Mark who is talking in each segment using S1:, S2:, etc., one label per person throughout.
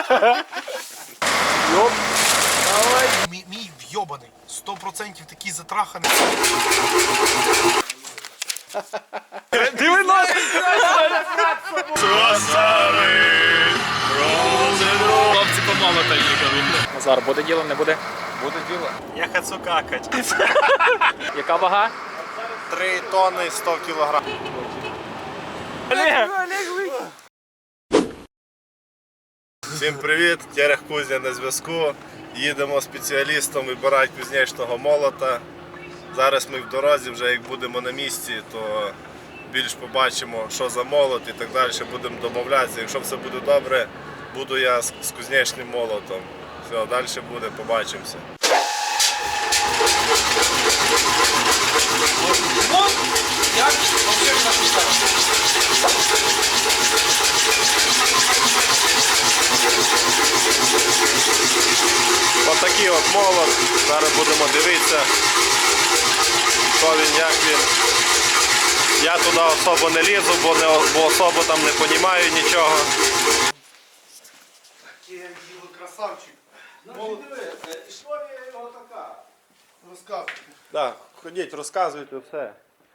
S1: Йоп. Давай.
S2: Мій вйобаний. 100% такий затраханий.
S1: Диви нас! Хлопці помолота їхали. Назар, буде діло, не буде?
S2: Буде діло. Я хочу какать.
S1: Яка вага?
S2: 3 тонни 100 кілограм.
S1: Олег!
S3: Всім привіт, Терех Кузня на зв'язку. Їдемо спеціалістом вибирати кузнечного молота. Зараз ми в дорозі, вже як будемо на місці, то більш побачимо, що за молот і так далі, будемо домовлятися. Якщо все буде добре, буду я з кузнечним молотом. Все, далі буде, побачимося. Ось такий от молот. Зараз будемо дивитися, що він, як він. Я туди особо не лізу, бо особо там не розумію нічого.
S2: Красавчик.
S4: Історія його така.
S2: Розказуй.
S3: Так, ходіть, розказуйте все.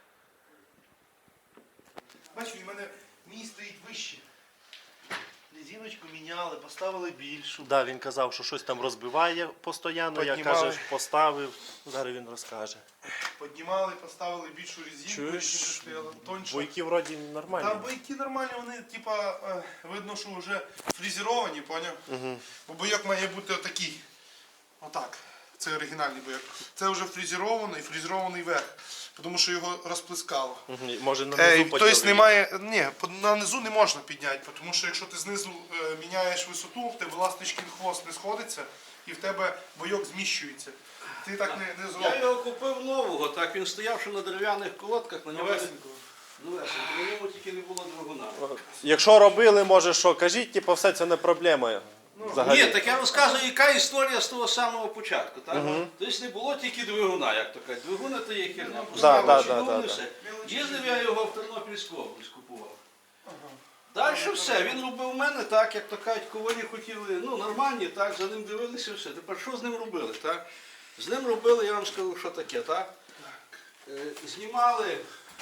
S2: Бачу, у мене мій стоїть вище. Резиночку міняли, поставили більшу.
S3: Да, він казав, що щось там розбиває постійно, я
S2: Піднімали.
S3: каже, поставив, зараз він розкаже.
S2: Піднімали, поставили більшу резинку,
S3: Чуєш?
S2: резинка стояла тоньше.
S3: Бойки вроді нормальні.
S2: Та бойки нормальні, вони типа видно, що вже фрезеровані, поняв? Бо бойок має бути отакий. Отак. Це оригінальний бойок. Це вже фрезерований верх. Тому що його розплескало.
S3: Може на низу
S2: Тобто немає. Ні, на низу не можна підняти, тому що якщо ти знизу міняєш висоту, в тебе ласточкин хвост не сходиться і в тебе бойок зміщується. Ти так не
S4: Я
S2: зробиш.
S4: його купив нового, так він стояв ще на дерев'яних колодках, на ньому
S2: Новесенького.
S4: на ньому тільки не було двигуна.
S3: Якщо робили, може що, кажіть, типу, все це не проблема. Взагалі.
S4: Ні, так я розказую, яка історія з того самого початку. Так? Тобто не було тільки двигуна, як то кажуть. Двигуна то є херня. Поставили двигун і все. Їздив я його в Тернопільську область купував. Далі все, він робив у мене так, як то кажуть, ковалі хотіли, ну нормальні, так, за ним дивилися все. Тепер що з ним робили? Так? З ним робили, я вам скажу, що таке, так? Знімали,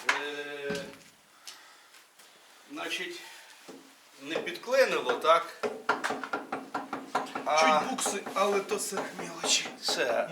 S4: значить, не підклинило, так?
S2: Чуть букси, але то все мелочі.
S4: Це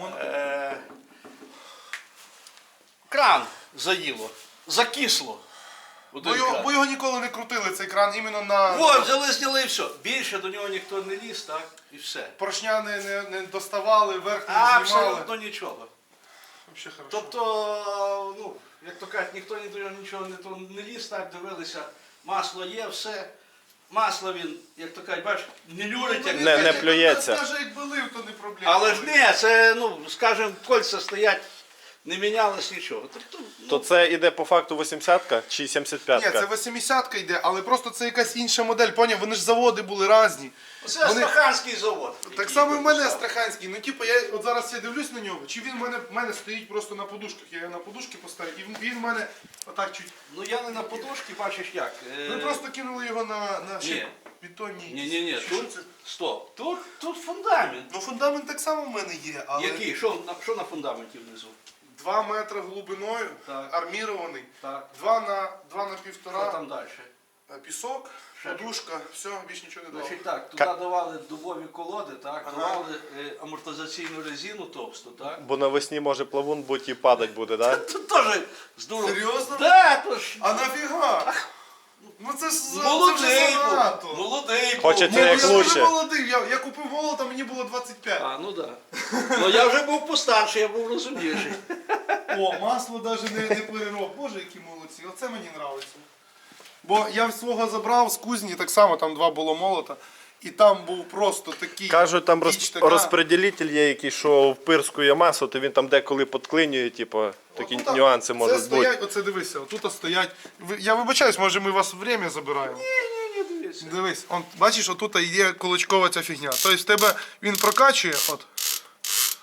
S4: кран заїло, закисло.
S2: Бо його ніколи не крутили, цей кран іменно на
S4: От, взяли, зняли і все. Більше до нього ніхто не ліз, так? І все.
S2: поршня не доставали, верх не знімали.
S4: Абсолютно нічого.
S2: Вообще хорошо.
S4: Тобто, ну, як то кажуть, ніхто до нього нічого не ліз, так, дивилися, масло є, все. Масло він, як то кажуть, бачиш, не люрить, як
S3: Не плюється.
S2: Навіть якби лив, то не проблема.
S4: Але ж не, це, ну, скажімо, кольця стоять, не мінялось нічого. Тобто, ну,
S3: То це іде по факту 80-ка чи 75-ка?
S2: Ні, це 80-ка йде, але просто це якась інша модель, поняв? Вони ж заводи були різні.
S4: це Астраханський завод.
S2: Так само і в мене Астраханський. Ну, типу, я от зараз я дивлюсь на нього, чи він в мене стоїть просто на подушках. Я його на подушки поставив, і він в мене отак чуть.
S4: Ну я не на подушці, бачиш як.
S2: Ми просто кинули його на
S4: Ні.
S2: бетонні.
S4: Ні,
S2: Що
S4: тут,
S2: це?
S4: стоп, тут фундамент.
S2: Ну фундамент так само в мене є, але
S4: Який? Що на фундаменті внизу?
S2: 2 метри глибиною,
S4: Так.
S2: армірований,
S4: Так.
S2: 2 на
S4: Що
S2: 1,5
S4: там далі?
S2: пісок,
S4: Ще
S2: подушка, все, більше нічого не дало.
S4: Значить так, туди давали дубові колоди, так, давали амортизаційну резину товсту, так?
S3: Бо навесні може плавун бути і падать буде, так? Да?
S4: Тут теж здорово.
S2: Серйозно?
S4: Так, то ж
S2: А нафіга? Ну це ж це вже
S4: молодий був,
S2: занадто.
S4: молодий був.
S3: Хочеться
S2: Ні,
S3: як
S2: я
S3: лучше.
S2: дуже молодий, я купив молота, мені було 25.
S4: А, ну так. Ну я вже був постарший, я був розумніший.
S2: О, масло навіть не перероб. Боже, які молодці, оце мені подобається. Бо я свого забрав з кузні, так само там 2 було молота. І там був просто такий.
S3: Кажуть, там
S2: піч така.
S3: розподілитель є який, що впирскує масу, то він там деколи підклинює, типу, такі
S2: Отут,
S3: нюанси
S2: це
S3: можуть
S2: стоять,
S3: бути.
S2: Оце дивися, отут стоять. Я вибачаюсь, може ми вас время забираємо.
S4: Ні, дивіться.
S2: Дивись, бачиш, отут є кулачкова ця фігня. Тобто в тебе він прокачує, от.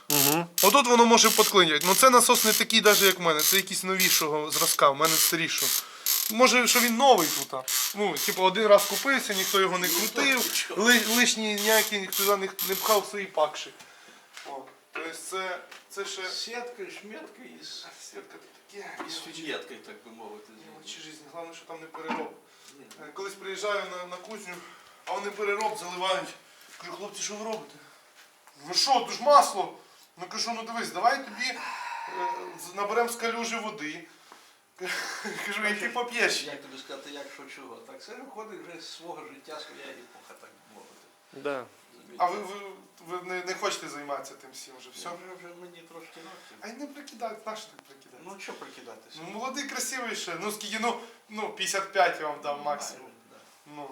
S2: Отут воно може підклинювати. Ну це насос не такий, навіть як в мене. Це якийсь новішого зразка, в мене старішого. Може, що він новий тут. Ну, типу, один раз купився, ніхто його не крутив, лишні ніякі ніхто не пхав свої пакші. О, тобто це ще...
S4: Сітка, шметка із...
S2: Сітка тут таке.
S4: Із фієткою, так би мовити.
S2: Мелочі життя, головне, що там не перероб. Колись приїжджаю на кузню, а вони перероб заливають. Кажу, хлопці, що ви робите? Ви що, тут ж масло? Ну кажу, ну дивись, давай тобі наберемо з калюжі води. Кажу, і ти поп'єш.
S4: Як тобі сказати, як що чого? Так це виходить вже з свого життя, своя епоха, так би мовити.
S3: Да.
S2: А ви не хочете займатися тим всім вже, все?
S4: Вже мені трошки ногті.
S2: А й не прикидайте, на що так прикидати?
S4: Ну що прикидатися?
S2: Ну молодий, красивий ще, ну скільки, ну 55 я вам дам максимум.
S4: Да.
S2: Ну.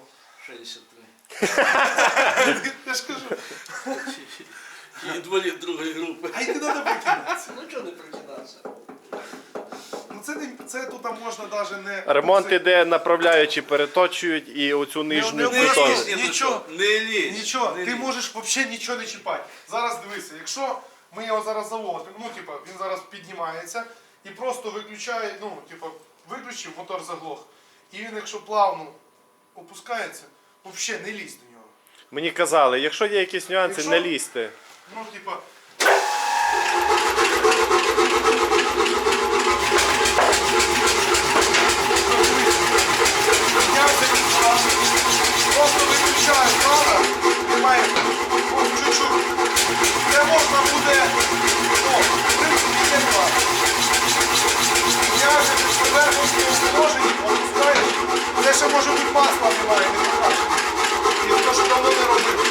S4: 63.
S2: Я ж кажу.
S4: Інвалід другої групи.
S2: А й не треба прикидатися.
S4: Ну чого не прикидатися?
S2: Ну це тут можна навіть не...
S3: Ремонт іде, направляючи, переточують і оцю нижню
S2: не
S3: бетон.
S2: лізь. Нічого.
S4: Не лізь.
S2: Нічого,
S4: Не
S2: ти
S4: лізь.
S2: можеш взагалі нічого не чіпати. Зараз дивися, якщо ми його зараз заводимо, ну типа він зараз піднімається і просто виключає, ну типа виключив, мотор заглох. І він, якщо плавно опускається, взагалі не лізь до нього.
S3: Мені казали, якщо є якісь нюанси,
S2: Якщо-
S3: не лізьте.
S2: Ну типа. Просто виключаю крана, немає чуть-чуть. Це можна буде, в принципі, є два. Я вже під поверхності положені, опускаєш. Це ще може бути масла немає, не покращено. І то, що давно не робив.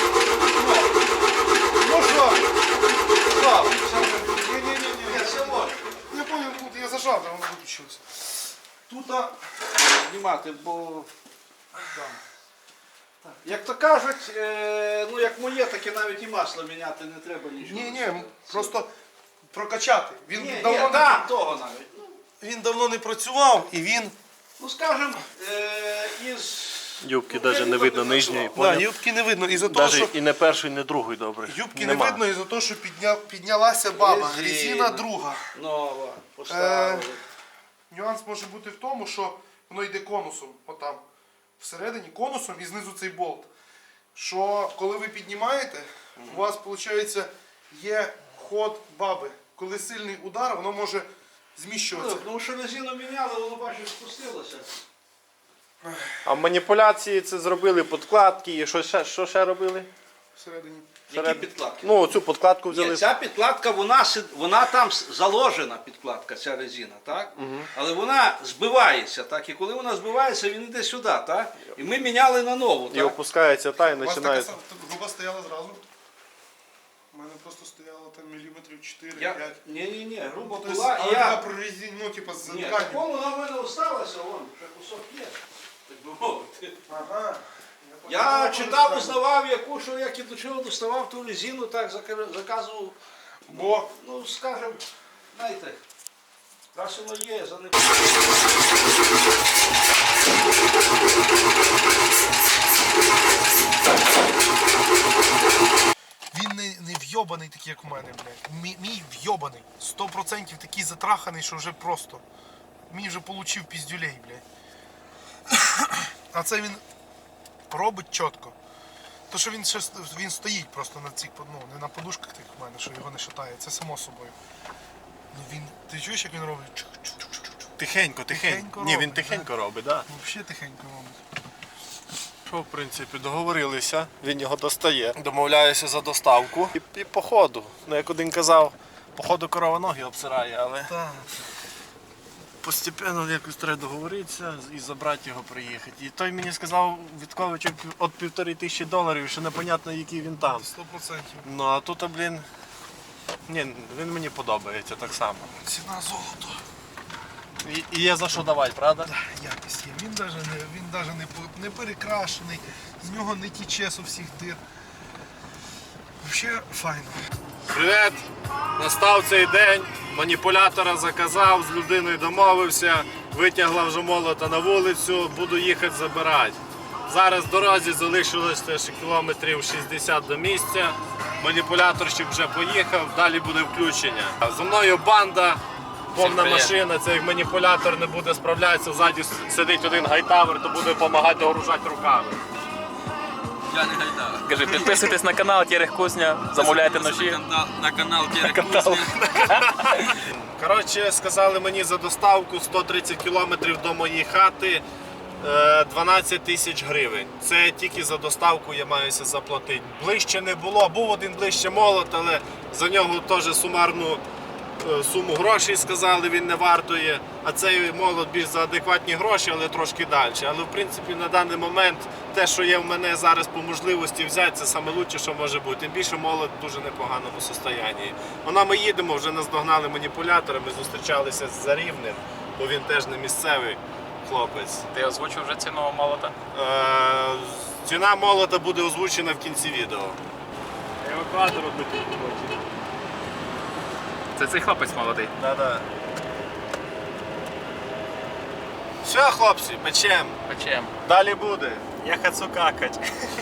S2: Ну що? Став. Ні-ні-ні.
S4: Все може.
S2: Я понял, тут я зажав, а воно виключилося. Тут,
S4: Знімати, бо... Як то кажуть, ну як моє, так і навіть і масло міняти не треба нічого.
S2: ні, просто прокачати. Він
S4: Ні,
S2: давно не...
S4: там того навіть.
S2: Він давно не працював і він...
S4: Ну скажем, із...
S3: Юбки навіть не видно нижньої.
S2: Да, юбки не видно із-за того, що...
S3: Навіть і не першої, не другої добре.
S2: Юбки
S3: Нема.
S2: не видно із-за того, що піднялася баба.
S4: Резина.
S2: Резина друга.
S4: Нова, поставили.
S2: Нюанс може бути в тому, що воно йде конусом, отам. Всередині конусом і знизу цей болт. Що коли ви піднімаєте, у вас, виходить, є ход баби. Коли сильний удар, воно може зміщуватися.
S4: Ну, тому що резину міняли, воно бачиш, спустилося.
S3: А маніпуляції це зробили подкладки і що ще робили?
S2: Всередині.
S4: Які підкладки?
S3: Ну, цю подкладку взяли.
S4: Ні, ця підкладка, вона там заложена, підкладка, ця резина, так? Але вона збивається, так? І коли вона збивається, він йде сюди, так? І ми міняли на нову,
S3: І
S4: так?
S3: опускається та і
S2: У вас така
S3: починає.
S2: груба стояла зразу? У мене просто стояло там міліметрів 4-5.
S4: Ні, грубо
S2: Тобто,
S4: була,
S2: але
S4: і
S2: така
S4: я...
S2: прорізінь, ну, типа, з
S4: Ні,
S2: тканью.
S4: такому вона в мене осталася, вон, ще кусок є, так би мовити.
S2: Ага.
S4: Я читав, узнавав, яку, що як і до чого доставав ту резину, так заказував.
S2: Бо
S4: Ну, скажем, знаєте, раз воно є, за не...
S2: він не вйобаний такий, як у мене, блядь. Мій вйобаний. 100% такий затраханий, що вже просто. Мій вже получив піздюлей, блядь. А це він робить чітко. То, що він стоїть просто на цих, ну, не на подушках тих в мене, що його не шатає, це само собою. Ну він, ти чуєш, як він робить?
S3: Тихенько,
S2: Тихенько
S3: Ні, він
S2: робить,
S3: тихенько робить, так.
S2: Ну, взагалі тихенько робить.
S3: Що, в принципі, договорилися, він його достає. Домовляюся за доставку. І по ходу. Ну, як один казав, по ходу корова ноги обсирає, але
S2: Так.
S3: постепенно якось треба договоритися і забрати його приїхати. І той мені сказав, Віткович, від $1500, що непонятно, який він там.
S2: 100%.
S3: Ну, а тут, блін, ні, він мені подобається так само.
S2: Ціна золото.
S3: І є за що давати, правда?
S2: Якість є. Він навіть не перекрашений, з нього не тіче з усіх дир. Взагалі файно.
S3: Привіт! Настав цей день, маніпулятора заказав, з людиною домовився, витягла вже молота на вулицю, буду їхати забирати. Зараз в дорозі залишилося ще кілометрів 60 до місця. Маніпуляторщик вже поїхав, далі буде включення. За мною банда, повна машина, це як маніпулятор не буде справлятися, ззаді сидить один гайтавер, то буде допомагати догружати руками.
S4: Я не гайдара.
S1: Кажи, підписуйтесь на канал Терех Кузня, замовляйте ножі.
S4: На канал Терех Кузня.
S3: Коротше, сказали мені за доставку 130 кілометрів до моєї хати 12 тисяч гривень. Це тільки за доставку я маюся заплатити. Ближче не було, був один ближче молот, але за нього теж сумарну суму грошей сказали, він не вартує. А цей молот більш за адекватні гроші, але трошки далі. Але в принципі на даний момент те, що є в мене зараз по можливості взяти, це саме лучше, що може бути. Тим більше молот в дуже непоганому стані. Вона ми їдемо, вже нас догнали маніпулятори, ми зустрічалися з Рівнем, бо він теж не місцевий хлопець.
S1: Ти озвучив вже ціну молота?
S3: Ціна молота буде озвучена в кінці відео. Евакуатор тут хоче.
S1: Це цей хлопець молодий.
S3: Да-да. Все, хлопці, печем.
S1: Печем.
S3: Далі буде.
S5: Я хочу какать.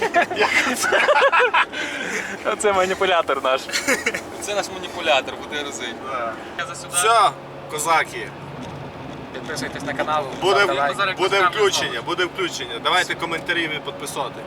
S1: Оце маніпулятор наш.
S5: Це наш маніпулятор, буде розить.
S3: Все, козаки.
S1: Підписуйтесь на канал.
S3: Буде,
S1: ставте лайк.
S3: буде включення. Давайте коментарі і підписати.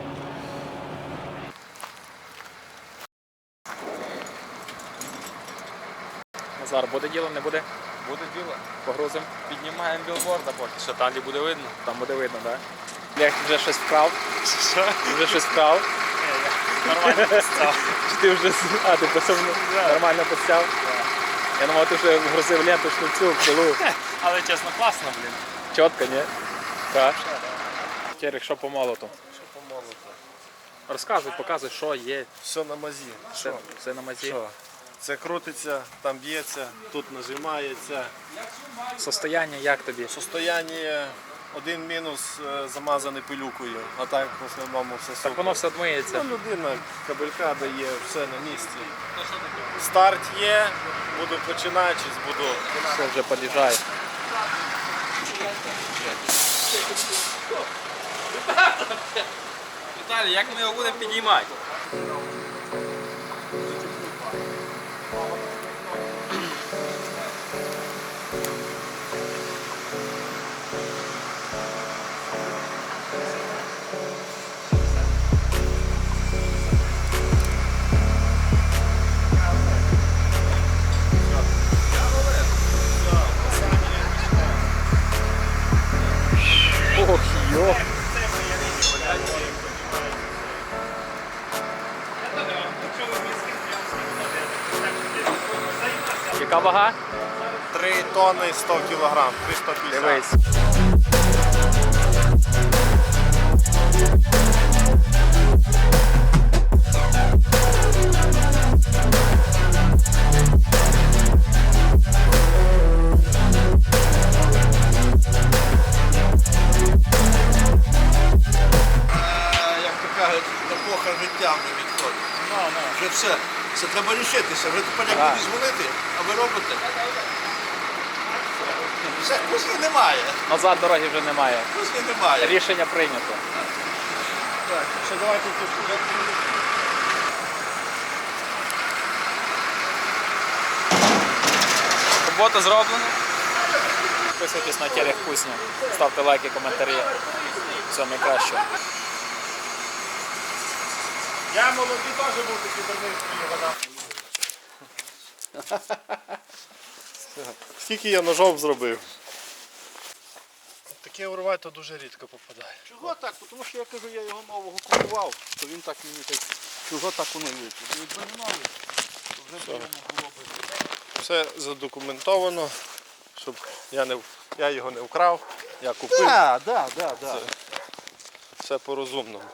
S1: Назар, буде діло, не буде?
S5: Буде діло.
S1: Погрузимо.
S5: Піднімаємо білборда поки що, там де буде видно.
S1: Там буде видно, так? Олег, ти вже щось вкрав?
S5: Що?
S1: Ти вже щось вкрав?
S5: Нормально постав.
S1: Чи ти вже... А, ти просто нормально постяв? Я думав, ти вже вгрузив ленточну цю пилу.
S5: Але чесно, класно, блін.
S1: Чітко, ні? Так. Терех, що по молоту?
S3: Що по молоту?
S1: Розказуй, показуй, що є.
S3: Все на мазі.
S1: Все на мазі.
S3: Що? Це крутиться, там б'ється, тут нажимається.
S1: Состояння як тобі?
S3: Состояння один мінус замазаний пилюкою, а так в основному все
S1: Так
S3: супер.
S1: воно все дмиється.
S3: Ну, людина кабелька дає, все на місці. Старт є, буду починати, буду.
S1: Все вже під'їжджає.
S5: Віталій, як ми його будемо підіймати?
S1: Ох, йо. Яка вага?
S3: 3 тонни 100 кілограм, 350.
S1: Дивись.
S4: Як то кажуть, епоха життя вже відходить. Вже все. Це треба рішитися. Вже тепер як
S1: Так.
S4: буде дзвонити, а ви робите. Все, кузні немає.
S1: Назад дороги вже немає.
S4: Кузні немає.
S1: Рішення прийнято.
S3: Так, ще давайте тут.
S5: Робота зроблена.
S1: Підписуйтесь на Терех Кузня. Ставте лайки, коментарі. Все найкраще.
S3: Я молодий теж був такий давний. Скільки я ножов зробив? Таке урвати то дуже рідко попадає.
S4: Чого так? Тому що я кажу, я його нового купував, то він так мені так. Чого так воно вийшло? Якби не новий, то вже б йому було б.
S3: Все задокументовано, щоб я його не вкрав, я купив.
S4: Так, так.
S3: Все по-розумному.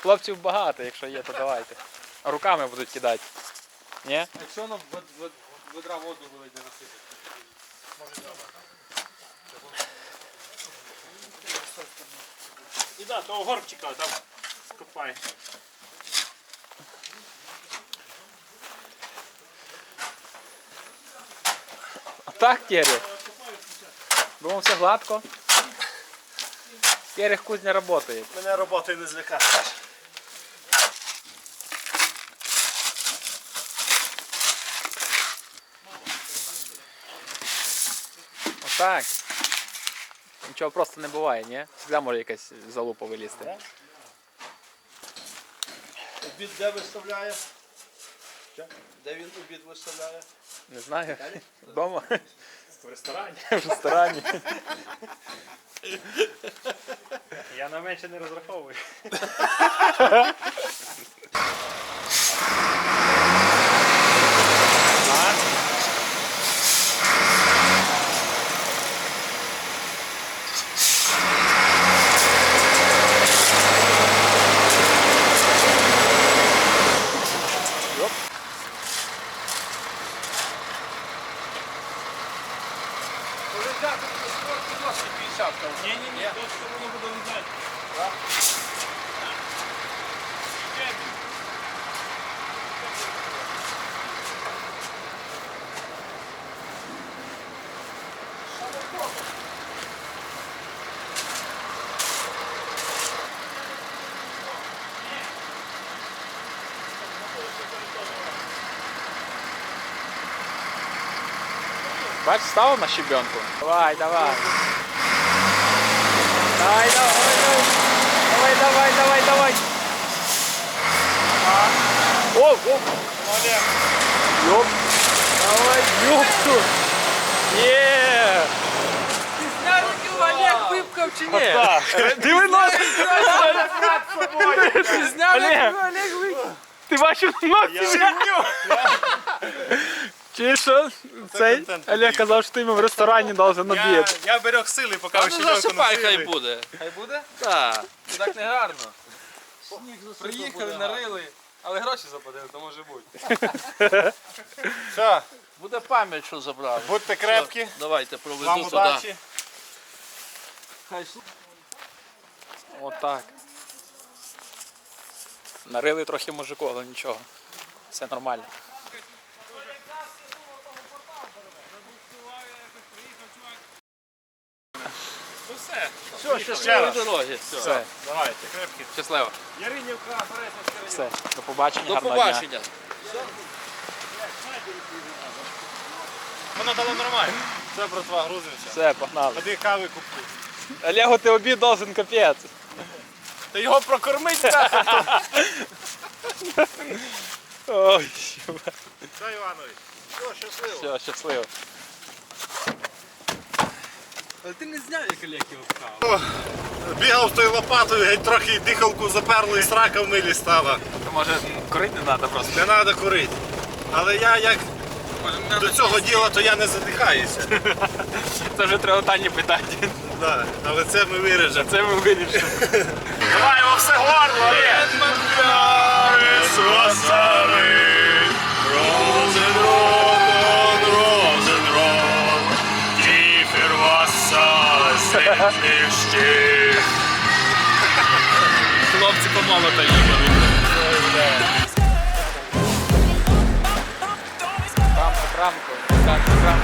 S1: хлопців багато, якщо є, то давайте. Руками будуть кидати. Ні?
S5: Якщо воно ведра воду вилить насипати. І да, того горбчика там копай.
S1: Так, Кері? Думав, все гладко. Кері кузня працює.
S3: Мене роботою не злякаєш.
S1: Отак. Нічого просто не буває, ні? Завжди може якась залупа вилізти.
S4: Обід де виставляє? Де він обід виставляє?
S1: Не знаю. Вдома?
S5: В ресторані.
S1: В ресторані.
S5: Я на менше не розраховую. Ні, тут воно буде лежати.
S1: Бач, ставив на щебенку. Давай, давай. Давай, давай, давай. Давай, давай, давай, давай. О, о. Йоп. Давай, ёпту. Є.
S5: Олег випкав чи ні?
S1: Диви нос.
S5: Ти зняв,
S1: Олег.
S5: Олег випкав.
S1: Ти бачив нос? Чи що? Цей
S3: контент
S1: Олег казав, що ти йому в ресторані должен обід.
S3: Я берег сили, поки
S4: А
S3: ви
S4: ну
S3: щебенку
S4: засипай, хай
S3: носили.
S4: буде.
S5: Хай буде?
S4: Так.
S5: Так не гарно.
S4: Сніг засипав,
S5: Приїхали,
S4: буде
S5: нарили, але гроші заплатили, то може бути.
S3: Все,
S4: Буде пам'ять, що забрали.
S3: будьте крепкі,
S4: Давайте проведу
S3: вам
S4: туди.
S3: удачі.
S4: Хай
S1: Отак. Нарили трохи мужику, але нічого. Все нормально.
S5: Ну все.
S3: Все, ще
S4: щасливої дороги.
S1: Все,
S3: Давайте, крепкі.
S1: щасливо.
S5: Яринівка, Березівська.
S1: Все, до побачення,
S4: До
S1: гарного дня.
S4: побачення.
S5: Воно дало нормально.
S3: Все, братва, грузимося.
S1: Все, погнали.
S3: Ходи кави купуй.
S1: Олегу, ти обід должен капець.
S3: Та його прокормить нахер.
S1: Ой,
S3: Все, Іванович. Все, щасливо.
S1: все, щасливо.
S5: Але ти не зняв, як Олег його впхав.
S3: Бігав з тою лопатою, геть трохи дихалку заперло і срака в милі стала.
S1: Може, курити не треба просто.
S3: Не треба курити. Але я як до цього діла, то я не задихаюся.
S1: Це вже треба Тані питати.
S3: Да, але це ми виріжемо.
S1: Це ми вирішимо.
S3: Давай во все горло, Олег!
S1: Хлопці помолота їхали. Рамку, рамку.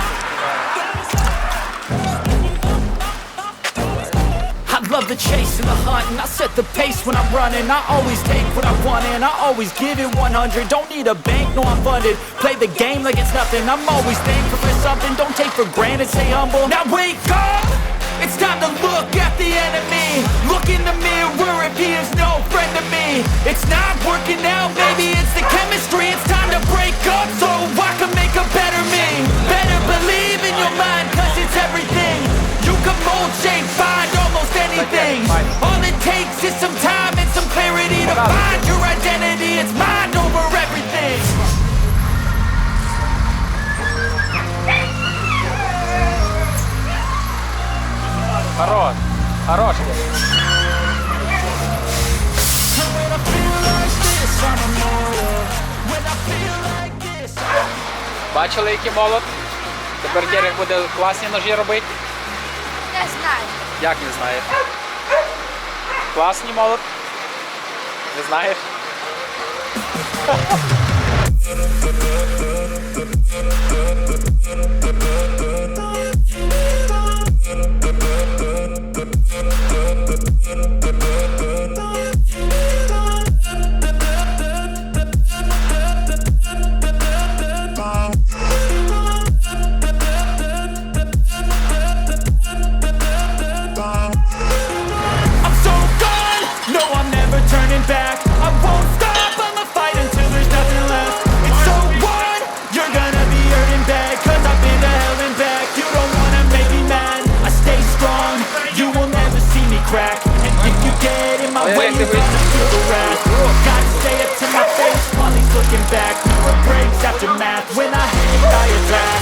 S6: I love the chase and the hunt, and I set the pace when I'm running. I always take what I want and I always give it 100. Don't need a bank, no I'm funded. Play the game like it's nothing. I'm always thankful for something. Don't take for granted, stay humble. Now wake up! It's time to look at the enemy. Look in the mirror if he is no friend to me. It's not working out, maybe it's the chemistry. It's time to break up so I can make a better me. Better believe in your mind, cause it's everything. You can mold, shape, find almost anything. All it takes is some time and some clarity to find your identity. It's mind over everything.
S1: Хорош, хорош.
S6: And when I feel
S1: Бачили, який молот? Тепер Дерек буде класні ножі робити?
S7: Не знаю.
S1: Як не знаєш? Класний молот? Не знаєш?
S6: I'm so gone, no I'm never turning back. I won't stop, I'ma fight until there's nothing left. It's so on, you're gonna be hurting bad, cause I've been to hell and back. You don't wanna make me mad, I stay strong, you will never see me crack. And if you get in my way, you're gonna feel the wrath. Gotta say it to my face while he's looking back. Mirror breaks after math, when I hang by a track.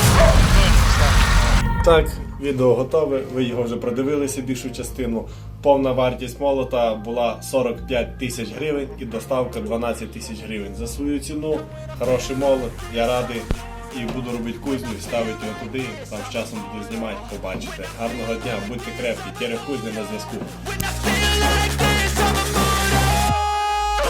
S3: Так, відео готове, ви його вже продивилися більшу частину. Повна вартість молота була 45 тисяч гривень і доставка 12 тисяч гривень. За свою ціну хороший молот, я радий і буду робити кузню і ставити його туди, там з часом буду знімати, побачите. Гарного дня, будьте крепкі, Терех Кузня на зв'язку.
S6: When I feel like there's some